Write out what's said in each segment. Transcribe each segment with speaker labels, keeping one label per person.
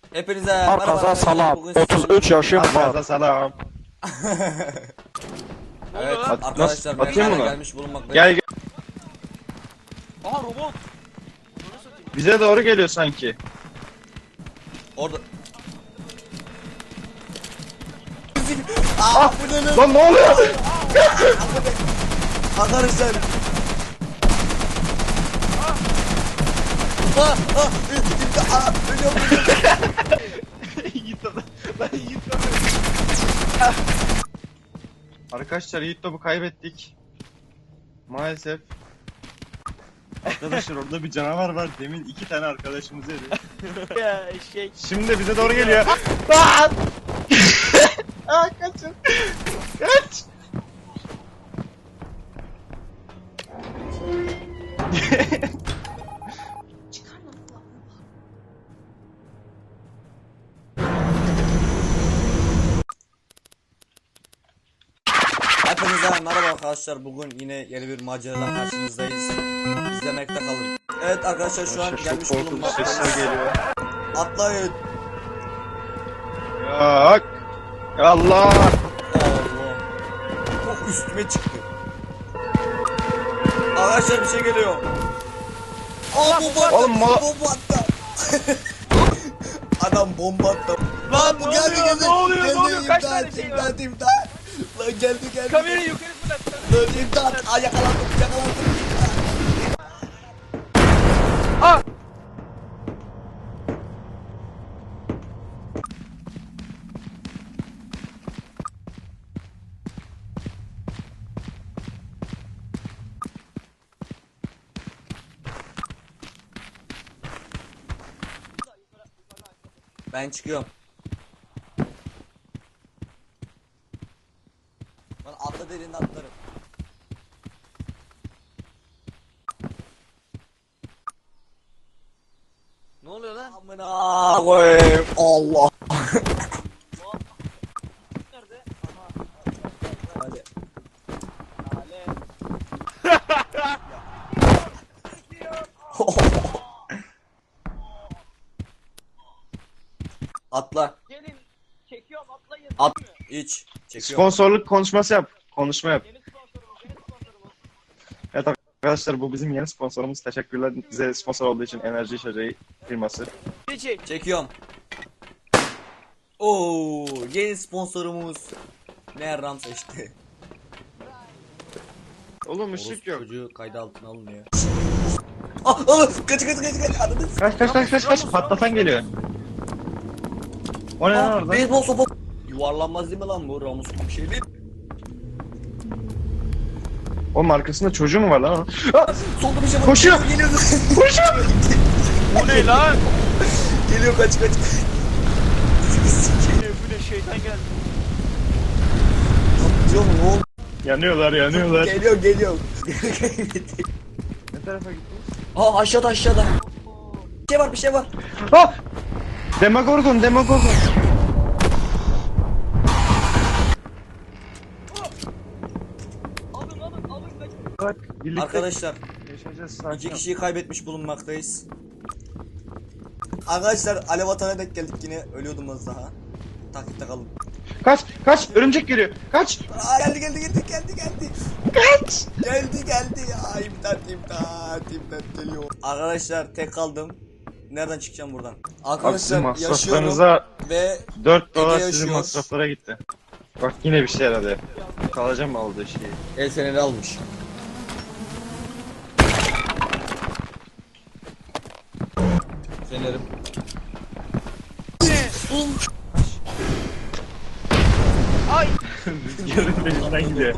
Speaker 1: Hepinize
Speaker 2: Herkese selam.
Speaker 1: Bugün
Speaker 2: 33 yaşım var.
Speaker 3: Herkese selam.
Speaker 1: Evet
Speaker 3: At-
Speaker 1: arkadaşlar
Speaker 3: nasıl- atayım
Speaker 1: mezara
Speaker 3: mı?
Speaker 1: gelmiş bulunmaktayız.
Speaker 3: Gel gel.
Speaker 4: Aha robot.
Speaker 3: Bize doğru geliyor sanki.
Speaker 1: Orada. Bu ne lan?
Speaker 3: Lan ne oluyor?
Speaker 1: Arkadaşlar. Ölüyorum.
Speaker 3: Arkadaşlar Yiğit topu kaybettik. Maalesef. Arkadaşlar orada bir canavar var. Demin 2 tane arkadaşımızı yedi.
Speaker 4: Ya eşek.
Speaker 3: Şimdi de bize doğru geliyor. Aa! Aa, kaçın. Kaç.
Speaker 1: Hepinize merhaba arkadaşlar. Bugün yine yeni bir maceradan karşınızdayız. İzlemekte kalın. Evet arkadaşlar şu an gelmiş
Speaker 3: Korkunç
Speaker 1: bulunmaktayız.
Speaker 3: sesler geliyor.
Speaker 1: Atlayın.
Speaker 3: Yok. Allah.
Speaker 1: Allah. Çok üstüme çıktı. Arkadaşlar bir şey geliyor. Aa bomba.
Speaker 3: Oğlum,
Speaker 1: bomba attı. Adam bomba attı. Lan bu
Speaker 4: ne
Speaker 1: geldi
Speaker 4: oluyor,
Speaker 1: geldi.
Speaker 4: ne oluyor, ne
Speaker 1: Geldi,
Speaker 4: oluyor? Kaç
Speaker 1: imdat,
Speaker 4: tane şey var?
Speaker 1: imdat, imdat. Lan geldi.
Speaker 4: Kamerayı yukarı fırlat.
Speaker 1: Lan imdat. Aa yakalandım.
Speaker 4: Aa!
Speaker 1: Ben çıkıyorum. Ben atla derinde atlarım.
Speaker 4: Ne oluyor lan?
Speaker 1: Amına koyayım. Allah.
Speaker 4: Nerede?
Speaker 1: Hadi. Atla.
Speaker 4: Gelin. Çekiyorum atlayın.
Speaker 1: At. İç. Çekiyorum.
Speaker 3: Sponsorluk konuşması yap. Konuşma yap.
Speaker 4: Yeni sponsorumuz. Yeni sponsorumuz.
Speaker 3: Evet arkadaşlar bu bizim yeni sponsorumuz. Teşekkürler bize sponsor olduğu için Enerji İçeceği firması.
Speaker 4: Çek.
Speaker 1: Çekiyorum. Oo, yeni sponsorumuz Merram seçti.
Speaker 3: Oğlum ışık yok.
Speaker 1: Çocuğu kayda altına alınıyor. Kaç. Anladın.
Speaker 3: Kaç patlatan geliyor. O ne lan orada?
Speaker 1: Beyzbol sopa. Yuvarlanmaz değil mi lan bu Ramus gibi bir şey değil.
Speaker 3: Oğlum arkasında çocuğu mu var lan? Aa!
Speaker 1: Solda bir şey var.
Speaker 3: Koşuyor.
Speaker 1: Geliyor.
Speaker 3: Koşuyor.
Speaker 4: Bu ne lan?
Speaker 1: Geliyor kaç.
Speaker 4: Bu ne şeytan geldi.
Speaker 1: Diyor mu oğlum?
Speaker 3: Yanıyorlar.
Speaker 1: Geliyor.
Speaker 3: Ne tarafa gittiniz?
Speaker 1: Aa aşağıda. Bir şey var.
Speaker 3: Ah! Demogorgon.
Speaker 4: Alın kaç.
Speaker 3: Bak birlikte
Speaker 1: Arkadaşlar
Speaker 3: yaşayacağız
Speaker 1: iki
Speaker 3: sakin.
Speaker 1: kişiyi kaybetmiş bulunmaktayız. Arkadaşlar alev atana denk geldik yine. Ölüyordum az daha. Takipte kalın.
Speaker 3: Kaç örümcek geliyor. Kaç.
Speaker 1: Aa, geldi.
Speaker 3: Kaç.
Speaker 1: Geldi. Aa, imdat geliyor. Arkadaşlar tek kaldım. Nereden çıkacağım buradan?
Speaker 3: Bak sizin
Speaker 1: Arkadaşlar yaşıyorum
Speaker 3: masraflarınıza
Speaker 1: ve
Speaker 3: 4 dolar
Speaker 1: Ege
Speaker 3: sizin
Speaker 1: yaşıyor.
Speaker 3: masraflara gitti. Bak yine bir şey yaradı. Kalacağım mı aldığı şeyi?
Speaker 1: el feneri almış. Fenerim.
Speaker 4: Ay.
Speaker 3: Rüzgarın peşinden gidiyor.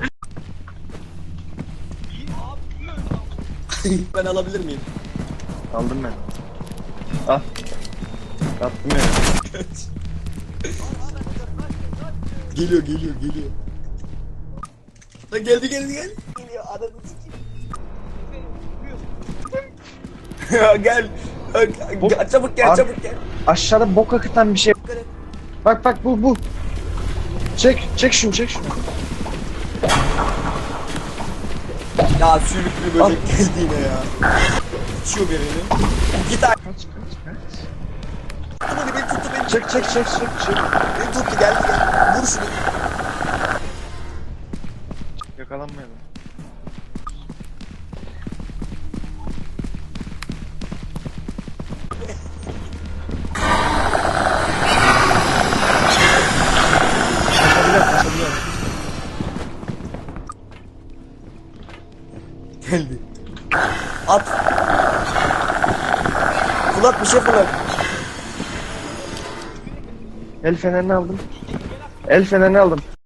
Speaker 1: Ben alabilir miyim?
Speaker 3: Aldım ben. Al. Attım ya.
Speaker 1: Geliyor. Lan geldi. Geliyor adamı ya gel. Çabuk gel.
Speaker 3: Aşağıda bok akıtan bir şey. Bak bu. Çek şunu.
Speaker 1: Ya sürüklü böcek geldi yine ya. İçiyor birini. Git abi.
Speaker 3: Kaç.
Speaker 1: Hadi beni tuttu.
Speaker 3: Çık.
Speaker 1: Beni tuttu geldi. Vur şunu.
Speaker 3: Yakalanmayalım. Kaçabiliyor.
Speaker 1: Geldi. At. Fırlat bir şey fırlat.
Speaker 3: El fenerini aldım.